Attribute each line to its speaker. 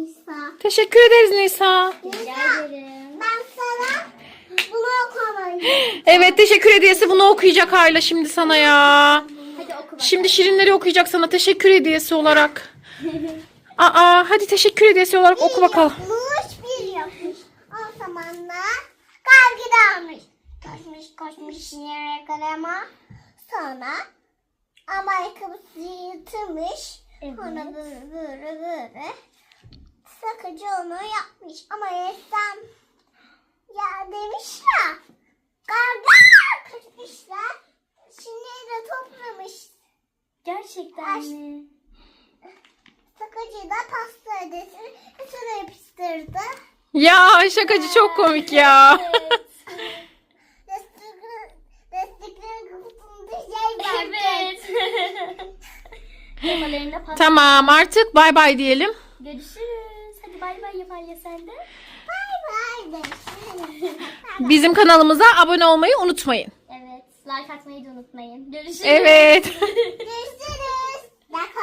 Speaker 1: Nisa.
Speaker 2: Teşekkür ederiz Nisa.
Speaker 3: Rica ederim.
Speaker 1: Ben sana bunu okumayayım.
Speaker 2: Evet, teşekkür hediyesi bunu okuyacak Ayla şimdi sana ya.
Speaker 3: Hadi oku bakalım.
Speaker 2: Şimdi şirinleri okuyacak sana teşekkür hediyesi olarak. Aa, hadi teşekkür hediyesi olarak oku bakalım.
Speaker 1: Yapmış, bir yapmış. O zaman da kargı almış. Koşmuş yere kalema. Sonra ama ayakkabısı yırtılmış.
Speaker 3: Evet.
Speaker 1: Sonra böyle sakıcı onu yapmış. Ama ressam ya demiş ya karga kaçmışlar. Şimdi de toplamış.
Speaker 3: Gerçekten mi?
Speaker 1: Sakıcı da pasta ödesini üstüne yapıştırdı.
Speaker 2: Ya şakacı çok komik ya.
Speaker 1: Desteklerin kutusunda şey vardı.
Speaker 3: Evet. Kafalarında patladı.
Speaker 2: Tamam, artık bay bay diyelim.
Speaker 3: Görüşürüz. Hadi bay bay yap Alya sen de.
Speaker 1: Bay bay de.
Speaker 2: Bizim kanalımıza abone olmayı unutmayın.
Speaker 3: Evet. Like atmayı da unutmayın. Görüşürüz.
Speaker 2: Evet.
Speaker 1: Görüşürüz.